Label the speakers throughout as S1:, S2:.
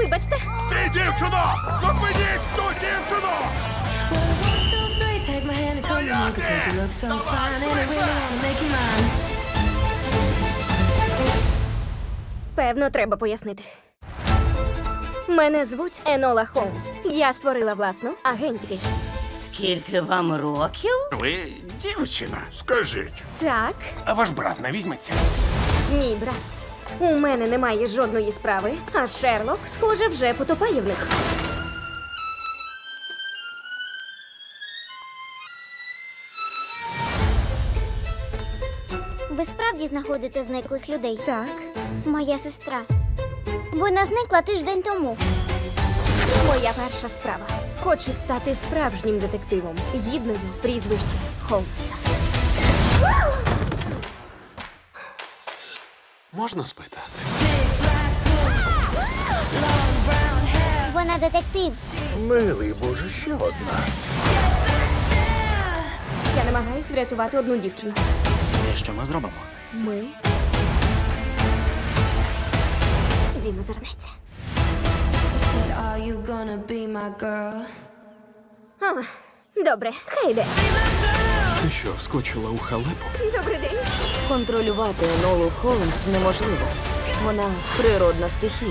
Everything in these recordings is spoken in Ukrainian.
S1: Вибачте.
S2: Стій, дівчино! Зупиніть ту дівчину!
S3: Take my hand and come with me because you look so fine and I really wanna make you mine.
S1: Певно, треба пояснити. Мене звуть Енола Холмс. Я створила власну агенцію.
S4: Скільки вам років?
S2: Ви дівчина. Скажіть,
S1: Так,
S2: а ваш брат не візьметься?
S1: ні, брат. У мене немає жодної справи, а Шерлок, схоже, вже потопає в них.
S5: Ви справді знаходите зниклих людей?
S1: Так,
S5: Моя сестра. Вона зникла тиждень тому.
S1: моя перша справа. Хочу стати справжнім детективом, гідною прізвища Холмса.
S2: Можна спитати?
S5: Вона детектив.
S2: Милий Боже, ще одна.
S1: Я намагаюсь врятувати одну дівчину.
S6: І що ми зробимо?
S1: Ми. Він озирнеться.
S3: Said, are you gonna be my girl?
S1: А, добре, хай йде.
S2: Ти що, вскочила у халепу?
S1: Добрий день.
S4: Контролювати Енолу Холмс неможливо. Вона природна стихія.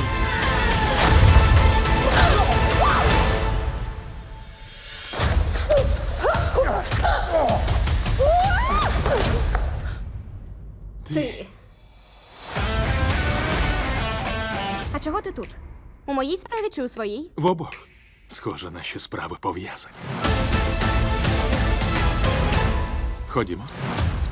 S1: Ти. А чого ти тут? У моїй справі чи у своїй?
S2: В обох. Схоже, наші справи пов'язані. Ходімо.